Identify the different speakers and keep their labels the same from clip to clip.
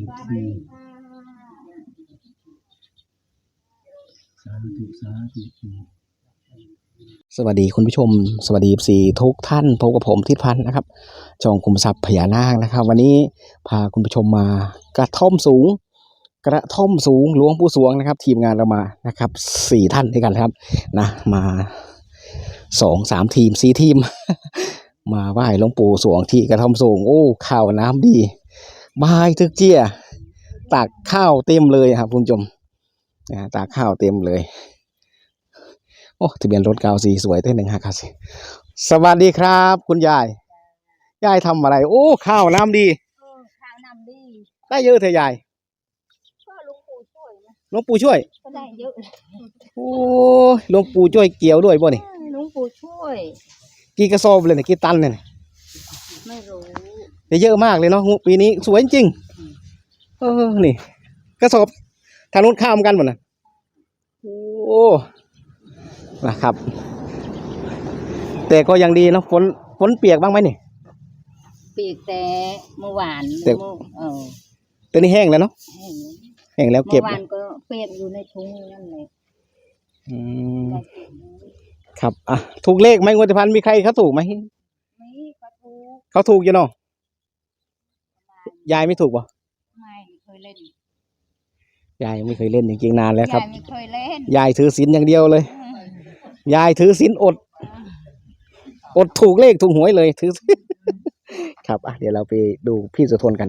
Speaker 1: สวัสดีคุณผู้ชมสวัสดีสี่ทุกท่านพบกับผมทิศพันธ์นะครับช่องคุมทรัพย์พญานาคนะครับวันนี้พาคุณผู้ชมมากระท่อมสูงหลวงปู่สวงนะครับทีมงานเรามานะครับสี่ท่านด้วยกันครับนะมา2-3 ทีม4 ทีม มาไหว้หลวงปู่สวงที่กระท่อมสูงโอ้ข้าวน้ำดีบายทึกเจี้ยตักข้าวเต็มเลยครับคุณผู้ชมตักข้าวเต็มเลยโอ้ทะเบียนรถ94สวยเต้น1594สวัสดีครับคุณยายทำอะไรโอ้ข้าวน้ำดี
Speaker 2: ข้าวน้ำดี
Speaker 1: ได้เยอะเถอะยาย
Speaker 2: ก็หลวงปู่ช่วยนะ
Speaker 1: หลวงปู่ช่วย
Speaker 2: ก็ได้เยอะ
Speaker 1: โอ้หลวงปู่ช่วยเกี่ยวด้วยป่ะนี่
Speaker 2: หลวงปู่ช่วย
Speaker 1: กี่กระสอบเลยเนี่ยกี่ตันเนี่ย
Speaker 2: ไม่รู้
Speaker 1: เยอะมากเลยเนาะปีนี้สวยจริงนี่กระสอบทางนู้นข้ามกันหมดนะโอ้นะครับแต่ก็ยังดีเนาะฝนเปียกบ้างไหมนี่
Speaker 2: เปียกแต่เมื่อวาน
Speaker 1: แต่นี่แห้งแล้วเนาะแห้งแล้วเก็บ
Speaker 2: เมื่อวานก็เปียกอยู่ในถุงนั่นเลย
Speaker 1: ครับอ่ะถูกเลขไหมงวดที่ผ่านมีใครเขาถูกไหมเขาถูกอยู่เนาะยายไม่ถูกป่ะ
Speaker 2: ไม่เคยเล่น
Speaker 1: ยายไม่เคยเล่นจริงๆนานแล้วครับ
Speaker 2: ยายไม่เคยเล่น
Speaker 1: ยายถือศีลอย่างเดียวเลยยายถือศีลอดถูกเลขถูกหวยเลยถือครับอ่ะเดี๋ยวเราไปดูพี่สุทนกัน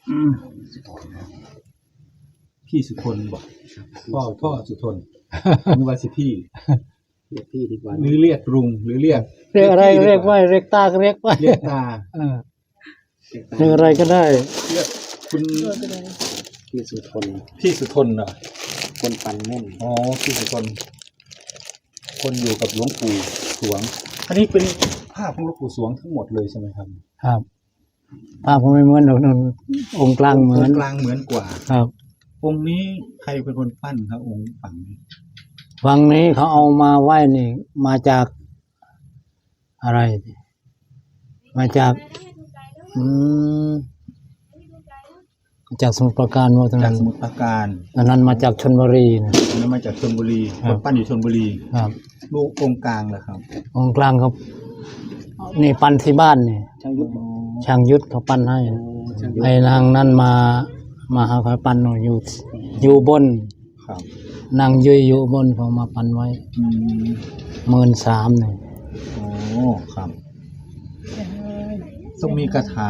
Speaker 3: พี่สุทนบอกพ่อสุทนนึกว่าสิพี่
Speaker 1: เรียกพี่ดีกว่า
Speaker 3: หรือเรียกลุงหรือเรียก
Speaker 4: อะไรเรียกว่าเรียกตาก็เรียกว่า
Speaker 3: เรียกตา
Speaker 4: เรียกอะไรก็ได้
Speaker 3: เรียกคุณ
Speaker 1: พี่สุทน
Speaker 3: เหรอ
Speaker 1: คนปันแม่น
Speaker 3: อ๋อพี่สุทนคนอยู่กับหลวงปู่สวงอันนี้เป็นภาพของหลวงปู่สวงทั้งหมดเลยใช่ไหมครับ
Speaker 4: ครับภาพผมไม่เหมือนองค์กลางเหมือน
Speaker 3: กว่า
Speaker 4: ครับ
Speaker 3: องค์นี้ใครเป็นคนปั้นครับองค์ฝั่ง
Speaker 4: นี้เขาเอามาไหว้นี่มาจากอะไรมาจากจากสมุทรปราการว่าตรงนั้น
Speaker 3: สมุทรปราการ
Speaker 4: อันนั้นมาจากชลบุรีนะ
Speaker 3: อันนั้นมาจากชลบุรีคนปั้นอยู่ชลบุรี
Speaker 4: ครับ
Speaker 3: ลูกองค์กลางเหรอครับ
Speaker 4: องค์กลางครับนี่ปั้นที่บ้านนี่ช่างยุทธเขาปั้นให้ไอ้นางนั่นมาหาเขาปั้นอยู่บนนางยุยอยู่บนเขามาปั้นไว้13,000นี่
Speaker 3: โอ้ครับต้องมีคาถา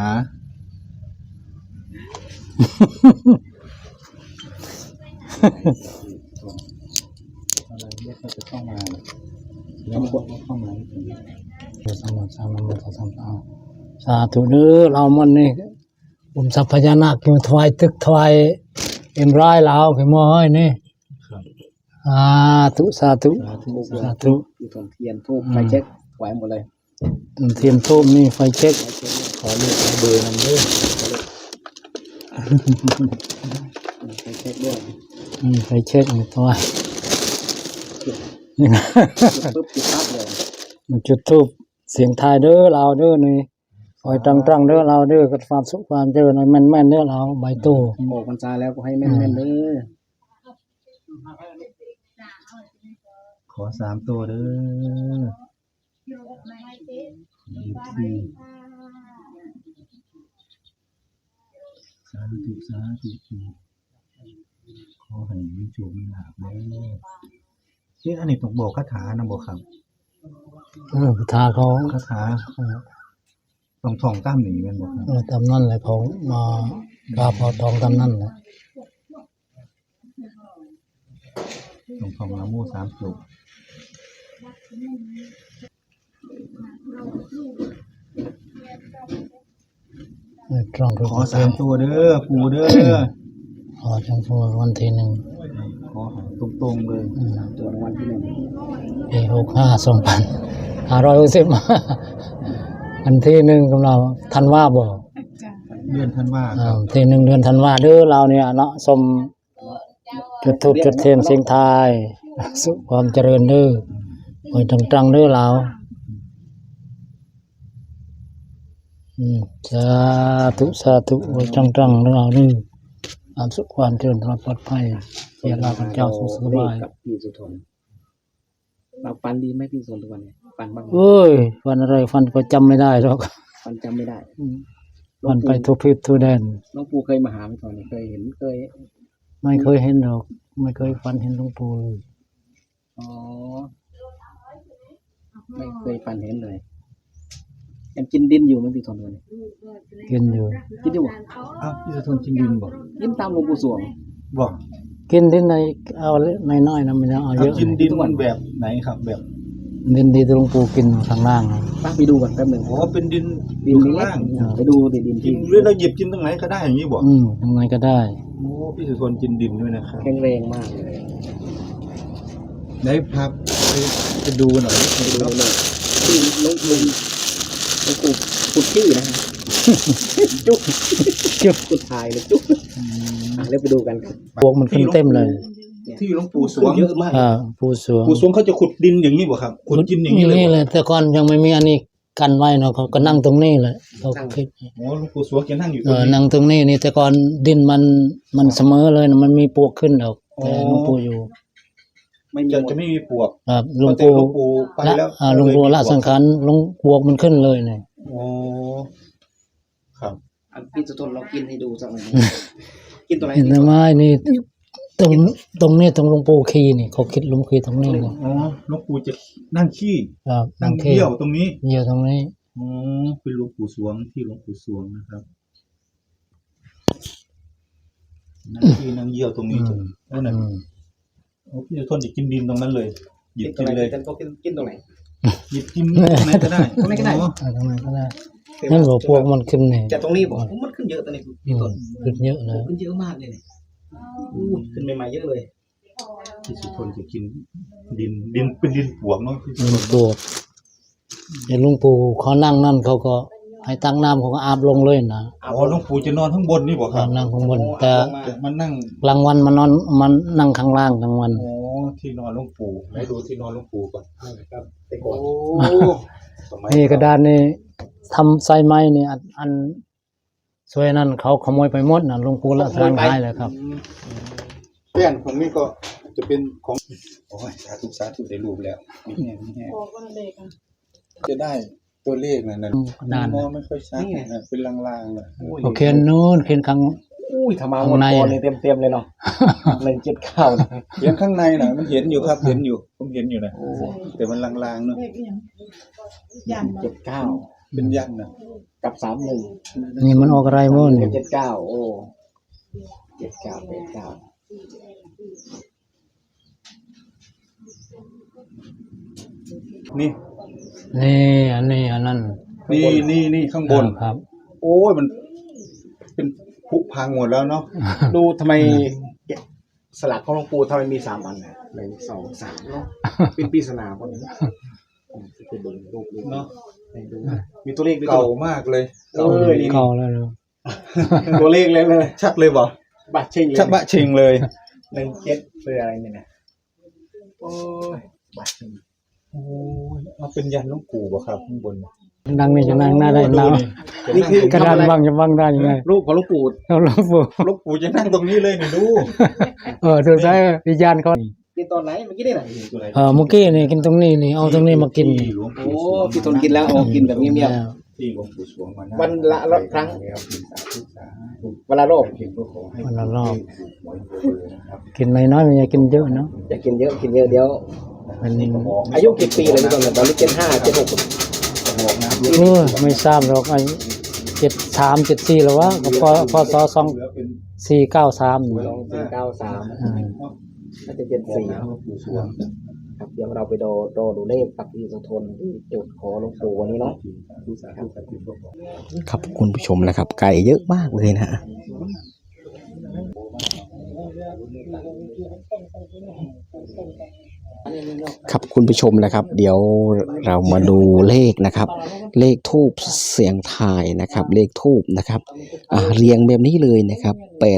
Speaker 3: อะไรเรียกเขาจะเข้ามาแล้วคนเข้ามา
Speaker 4: สมุทรสามุทรสาธุเด้อเรามันนี่ผมสัพพญานาคกิมถวายตึกถวายเอ็มร้อยลาวขึ้นมาให้นี่สาธุ
Speaker 1: เทียนทูบไฟเช็คไหวหมดเลย
Speaker 4: เทียนทูบนี่ไฟเช็ค
Speaker 3: ขอเลือกเบอร์นำด้วย
Speaker 1: ไฟเช็คด้วย
Speaker 4: ไฟเช็คนี่ถวาย
Speaker 1: ปุ๊บจุดปั๊บเลย
Speaker 4: มันจุดทูบเสียงทายเด้อเราเด้อนี่คอยตรังเด้อเราเด้อกับความสุขความเจริญแม่นเด้อเราใบโต
Speaker 1: โอ้พรรษาแล้วก็ให้แม่นเด้อ
Speaker 3: ขอ3 ตัวเด้อสาธุขอให้มีโชคมีลาภเด้ออันนี้ต้องบอกคาถานะบอกครับ
Speaker 4: คาถาเขา
Speaker 3: คาถาต้องท่องตามนี้แม่นบ่ครับ
Speaker 4: ตามนั่นแหละเขามาพาพอท่องตามนั่นแหละ
Speaker 3: ต้องท่องนะโม3 จบขอ3 ตัวเด้อปู่เด้อ
Speaker 4: ขอจังตัววันที่1
Speaker 3: ขอตรงๆเลย
Speaker 1: ตัววันที่1
Speaker 4: ปี65,2560วันที่1กำลังธันวาบ่
Speaker 3: เดือนธันวา
Speaker 4: ที่1เดือนธันวาเด้อเราเนี่ยเนาะสมจุดธูปจุดเทียนเสียงทายสุขความเจริญเด้อไว้ตรังเด้อเราสาธุไว้ตรังเด้อเราเด้อความเจริญปลอดภัยเสียราพเจ้าสุขสบาย
Speaker 1: กับพี่สุทนเราฟันดีไหมพี่สุทนทุกวันนี้ฟันบ้างไหม
Speaker 4: เอ้ยฟันอะไรฟันก็จำไม่ได้หรอก
Speaker 1: ฟันจำไม่ได้
Speaker 4: ฟันไปทุกทิศทุกแดน
Speaker 1: หลวงปู่เคยมาหาไหมตอนนี้เคยเห็นเคย
Speaker 4: ไม่เคยเห็นหรอกไม่เคยฟันเห็นหลวงปู่เลย
Speaker 1: อ๋อไม่เคยฟันเห็นเลยยังกินดินอยู่ไหมพี่สุทนวันนี้
Speaker 4: กินอยู่
Speaker 1: กินอยู่บ่
Speaker 3: อ้าวพี่สุทนกินดินบ่
Speaker 1: กินตามหลวงปู่สวง
Speaker 3: บ่
Speaker 4: กินที่ไหนเอาเล็กน้อยๆนะมันยังเอาเยอะ
Speaker 3: กินดินมันแบบไหนครับแบบ
Speaker 4: ดินดีที่หลวงปู่กินข้างล่างนะ
Speaker 1: ป้าไปดูก่อนแป๊บหนึ่ง
Speaker 3: อ๋อเป็นดิน
Speaker 1: ดิน
Speaker 3: ข้าง
Speaker 1: เล็ก
Speaker 3: ล่าง
Speaker 1: ไปดูดิดิน
Speaker 3: กิ
Speaker 1: ที่
Speaker 3: นหรือเราหยิบกินตรงไหนก็ได้อย่างนี้บ่
Speaker 4: ทำไงก็ได้
Speaker 3: โอ้พี่สุทนกินดินด้วยนะครับ
Speaker 1: แข็งแรงมากเลย
Speaker 3: ได้พักไปดูหน่อย
Speaker 1: ไปดูเลยที่หลวงปู่ขุดที่นะฮะจุ๊บ
Speaker 4: จุ๊บ
Speaker 1: ขุดทายเลยจุ๊บเดี๋ยวไปดูกันครับ
Speaker 4: พวกมันขึ้นเต็มเลย
Speaker 3: ที่หลวงปู่สวง
Speaker 1: เยอะมาก
Speaker 4: ผู้สวง
Speaker 3: ปู่สวงเขาจะขุดดินอย่างนี้บ่ครับขุดดินอย่างนี้เลย
Speaker 4: นี่
Speaker 3: บ่
Speaker 4: เลยแต่ก่อนยังไม่มีอันนี้กันไว้เนาะเขาก็นั่งตรงนี้เลยเขาคิด
Speaker 3: อ๋อหลวงปู่สวงจะนั่งอยู่ตร
Speaker 4: เอง อ
Speaker 3: นี้
Speaker 4: นั่งตรงนี้นี่แต่ก่อนดินมันเสมอเลยนะมันมีปวกขึ้นดอกแต่หลวงปู่อยู่
Speaker 1: ไม่มี
Speaker 3: จะไม่มีปวก
Speaker 4: ครับหลวง
Speaker 3: แต่
Speaker 4: ปู่
Speaker 3: หลวงปู่ไป
Speaker 4: ละ
Speaker 3: แล้ว
Speaker 4: หลวงปู่ละสังขารหลวงปวกมันขึ้นเลยเนี่ย
Speaker 3: อ๋อครับ
Speaker 1: พี่สุทนเรากินให้ดูสักหน่อยกินตัวไหน
Speaker 4: เห็นไหมนี่ตรงนี้ตรงหลวงปู่คีนี่เขาคิดหลวงคีตรงนี้เลย
Speaker 3: อ๋อหลวงปู่จะนั่งขี้
Speaker 4: ครับ
Speaker 3: นั่ง
Speaker 4: คี
Speaker 3: เยี่ยวตรงนี้
Speaker 4: เยี่ยวตรงนี้
Speaker 3: อ๋อเป็นหลวงปู่สวงที่หลวงปู่สวงนะครับนั่งขี้นั่งเยี่ยวตรงนี้โอ้นั่น
Speaker 4: อืม
Speaker 3: โอ้พี่จะทนจะกินดินตรงนั้นเลยหยิบ
Speaker 1: กินตัวไหน
Speaker 3: กินเลย
Speaker 1: กันก็กินตรงไหน
Speaker 3: หยิบกินตรงไหนก็ได้
Speaker 1: ตรงไหนก็ได้
Speaker 3: อ๋อ
Speaker 4: เอาตรงนั้นก็ได้นั่นบอกพวกมันขึ้นนี่
Speaker 1: จากตรงนี้บอกมันขึ้นเยอะตอนนี้
Speaker 4: อื
Speaker 1: พี่
Speaker 4: ม
Speaker 1: ต้น
Speaker 4: ขึ้นเยอะเลย
Speaker 1: ขึ้นเยอะมากเลยเนี่ยขึ้นใหม่ๆเยอะเลย
Speaker 3: พี่สุทนจะกินดินเป็นดินปวกเนาะพี่สุ
Speaker 4: หลว
Speaker 3: ท
Speaker 4: ง
Speaker 3: น
Speaker 4: ปู่เดี๋ยวหลวงปู่เขานั่งนั่นเขาก็ให้ตั้งน้ำเขาก็อาบลงเลยนะ
Speaker 3: อ๋อหลวงปู่จะนอนข้างบนนี่บ่ครับ
Speaker 4: นั่งข้างบนแต่
Speaker 3: จะมานั่ง
Speaker 4: กลางวันมันนอนมันนั่งข้างล่างกลางวัน
Speaker 3: อ๋อที่นอนหลวงปู่ให้ดูที่นอนหลวงปู่ก่อน
Speaker 1: ครับแต่ก่อน
Speaker 3: สมัย
Speaker 4: นี่กระดานนี่ทำไซไม้นี่อันสวยนั่นเขาขโมยไปหมดนะหลวงปู่ละทานหายเลยครับ
Speaker 3: แป้นของนี่ก็จะเป็นของโอ้ยสาธุได้รูปแล้วมีแห้งมีแห้งจะได้ตัวเลขนั่น
Speaker 4: กระดาน
Speaker 3: มองไม่ค่อยชัดนะเป็นลางๆเลย
Speaker 4: โอเคนู้นเขียนข้าง
Speaker 1: อุ้ยทำมา
Speaker 4: ข้าง
Speaker 1: หมด
Speaker 4: ใน
Speaker 1: ก่อนเลยเต็มๆเลยเนาะ179นะ
Speaker 3: เห็นข้างในน่ะมันเห็นอยู่ครับเห็นอยู่ผมเห็นอยู่นะแต่มันลางๆเนาะ
Speaker 1: 79
Speaker 3: เป็นยันนะ
Speaker 1: กับ31
Speaker 4: นี่มันออกอะไรมั่งนี่
Speaker 1: 79โอ้79
Speaker 3: นี่
Speaker 4: นี่อันนี้อันนั้น
Speaker 3: นี่ข้างบน
Speaker 4: ครับ
Speaker 3: โอ้ยมันเป็นผุพังหมดแล้วเนาะ
Speaker 1: 89ดูทำไมสลักของหลวงปู่ทำไมมี3อันน่ะ1 2 3เนาะเป็นปริศนาพวกนี้ไปดูรูปดู
Speaker 3: เนาะ
Speaker 1: ดูมีตัวเลขด้วย
Speaker 3: เก่ามากเลย
Speaker 1: นี่
Speaker 4: เก่าแล้วเนอะ
Speaker 1: ตัวเลขเลย
Speaker 3: ชัดเลยบ่
Speaker 1: บัตรเชิงเลย
Speaker 3: ชัดบะเชงเลย
Speaker 1: 17คืออะไรเนี่ยนะโอ้ยบัตรเชิง
Speaker 3: โอ้ยเอาเป็นยันหลวงปู่บ่ครับข้างบน
Speaker 4: ดังนี่จะนั่งหน้าได้
Speaker 3: ดู
Speaker 4: น้
Speaker 1: นี่คือก
Speaker 4: ระดานว่างจะว่างได้ยังไง
Speaker 1: รูปของหลวงปู่
Speaker 4: เอาหลวงปู่
Speaker 3: หลวงปู่จะนั่งตรงนี้เลยนี่ดู
Speaker 4: ดูใช้วิญญาณเขา
Speaker 1: กินตอนไหนเมื่อกี้นี่แหละ
Speaker 4: เมื่อกี้นี่กินตรงนี้นี่เอาตรงนี้มากินนี่
Speaker 3: หลวง
Speaker 1: โอ้
Speaker 3: ปู่สวง
Speaker 1: พี่ทนกินแล้วโอ้กินแบบเงียบ
Speaker 3: ที่หลวงปู่สวงมา
Speaker 1: วันละครั้ง
Speaker 3: ครับสาธุสาธุ
Speaker 1: ๆเวลาโรค
Speaker 3: เพียงก็ขอให้
Speaker 4: วันละรอบ
Speaker 3: หวยเบอร์นะครับ
Speaker 4: กินน้อยๆไม่อยากกินเยอะเนาะ
Speaker 1: อย่ากินเยอะกินเยอะเดี๋ยว
Speaker 4: เป็น
Speaker 1: อายุกี่ปีเลยพี่ทนตอนนี้75 76
Speaker 3: บอกนะ
Speaker 4: ไม่ทราบหรอกไอ้73 74แล้ววะก็พศ
Speaker 3: เหลือเป็น
Speaker 4: 2493
Speaker 1: 2493
Speaker 4: อืม
Speaker 1: น่าจะ
Speaker 3: บอกนะ
Speaker 1: 74
Speaker 3: หลวงปู่สวง
Speaker 1: ครับเดี๋ยวเราไปดูเลขกับพี่สุทนที่จุดขอหลวงปู่วันนี้เนาะ
Speaker 3: สาธุสาธุสาธุก็ขอ
Speaker 1: ครับคุณผู้ชมนะครับ ไก่เยอะมากเลยนะค ครับคุณผู้ชมนะครับเดี๋ยวเรามาดูเลขนะครับเลขทูปเสียงทายนะครับเลขทูปนะครับเรียงแบบนี้เลยนะครับ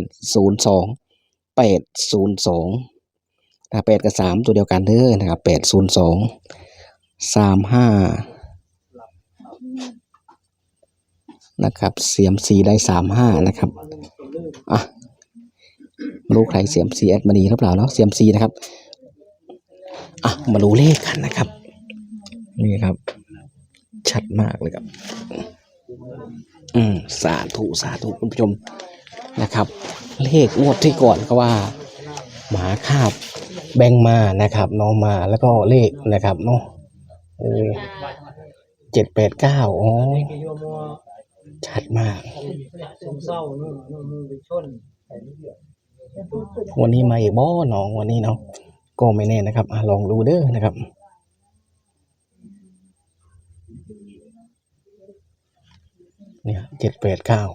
Speaker 1: 802 802นะ8กับ3ตัวเดียวกันเด้อนะครับ802 35นะครับเสียมสีได้35นะครับไม่รู้ใครเสียมซีแอดมาดีหรือเปล่าเนาะเสียมซีนะครับอ่ะมาดูเลขกันนะครับนี่ครับชัดมากเลยครับสาธุสาธุคุณผู้ชมนะครับเลขงวดที่ก่อนก็ว่าหมาคาบแบงมานะครับน้องมาแล้วก็เลขนะครับเนาะ789อ๋อชัดมากวันนี้มาอีกบ่น้องวันนี้เนาะก็ไม่แน่นะครับลองดูเด้อนะครับเนี่ย789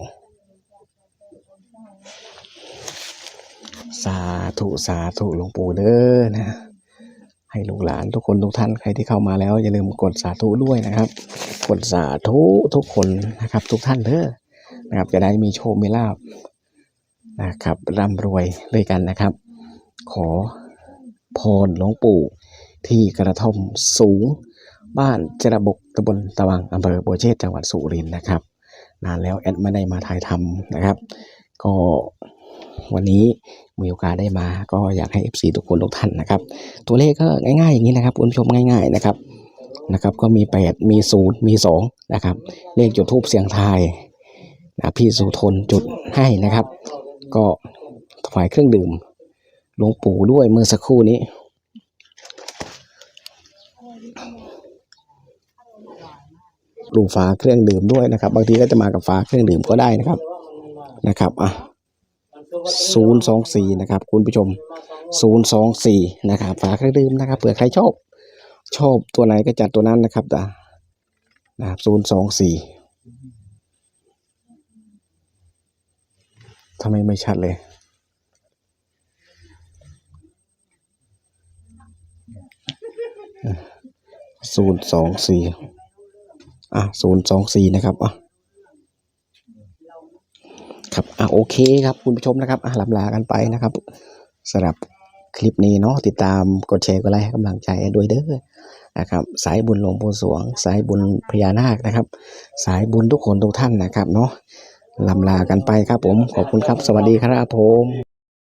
Speaker 1: สาธุสาธุหลวงปู่เด้อนะให้ลูกหลานทุกคนทุกท่านใครที่เข้ามาแล้วอย่าลืมกดสาธุด้วยนะครับกดสาธุทุกคนนะครับทุกท่านเด้อนะครับจะได้มีโชคมีลาภนะครับร่ำรวยด้วยกันนะครับขอพรหลวงปู่ที่กระท่อมสูงบ้านจระบกตำบลตะวังอำเภอบัวเชษจังหวัดสุรินทร์นะครับนานแล้วแอดไม่ได้มาถ่ายทำนะครับก็วันนี้มีโอกาสได้มาก็อยากให้ FC ทุกคนทุกท่านนะครับตัวเลขก็ง่ายๆอย่างนี้นะครับคุณผู้ชมง่ายๆนะครับก็มี8มี0มี2นะครับเลขจุดธูปเสียงทายนะพี่สุทนจุดให้นะครับก็ถวายเครื่องดื่มหลวงปู่ด้วยเมื่อสักครู่นี้ดูฝาเครื่องดื่มด้วยนะครับบางทีก็จะมากับฝาเครื่องดื่มก็ได้นะครับ024นะครับคุณผู้ชม024นะครับฝาเครื่องดื่มนะครับเผื่อใครชอบตัวไหนก็จัดตัวนั้นนะครับนะครับ024ทำไมไม่ชัดเลย024นะครับครับโอเคครับคุณผู้ชมนะครับลำลากันไปนะครับสำหรับคลิปนี้เนาะติดตามกดแชร์กดไลค์ให้กำลังใจด้วยเด้อนะครับสายบุญหลวงปู่สวงสายบุญพญานาคนะครับสายบุญทุกคนทุกท่านนะครับเนาะลำลากันไปครับผมขอบคุณครับสวัสดีครับผม